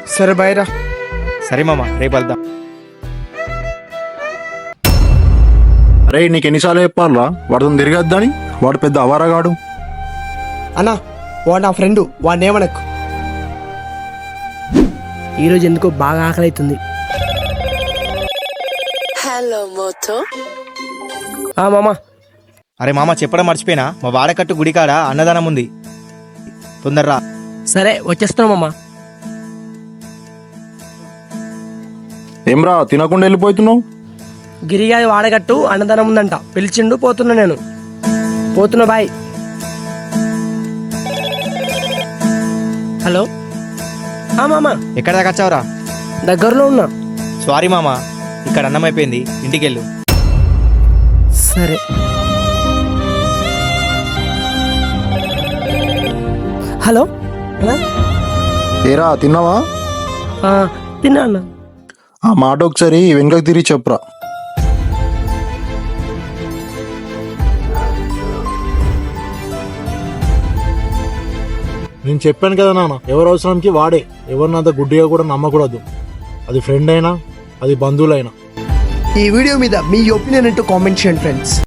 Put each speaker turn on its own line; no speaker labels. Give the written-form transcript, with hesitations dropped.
సరే బాయ్ రా.
సరే మామ, రేపు వెళ్దాం.
అరే నీకు ఎన్నిసార్లు చెప్పాలరా వాడితో తిరగద్దని? వాడు పెద్ద అవారగాడు.
అన్నా వాడు నా ఫ్రెండు, వాడిని ఏమనకు.
ఈరోజు ఎందుకో బాగా ఆకలి అవుతుంది.
Hello Moto.
మామా,
అరే మామ, చెప్పడం మర్చిపోయినా, మా వాడకట్టు గుడికాడ అన్నదానం ఉంది, తొందరరా.
సరే వచ్చేస్తున్నాం మామా.
ఏమ్రా తినకుండా వెళ్ళిపోతున్నావు?
గిరిగాది వాడగట్టు అన్నదానం ఉందంట, పిలిచిండు, పోతున్నా నేను. పోతున్నా, బాయ్. హలో మామా,
ఎక్కడ దాకా వచ్చావురా?
దగ్గరలో ఉన్నా.
సారీ మామ, ఇక్కడ అన్నం అయిపోయింది, ఇంటికెళ్ళు.
సరే. హలో
ఏరా తిన్నావా?
తిన్నా అన్న.
ఆ మాట ఒకసారి వెనుకకు తిరిగి చెప్పురా. నేను చెప్పాను కదా నాన్న, ఎవరి అవసరానికి వాడే. ఎవరినంత గుడ్డిగా కూడా నమ్మకూడదు. అది ఫ్రెండ్ అయినా, అది బంధువులైనా.
ఈ వీడియో మీద మీ ఒపీనియన్ ఏంటో కామెంట్ చేయండి ఫ్రెండ్స్.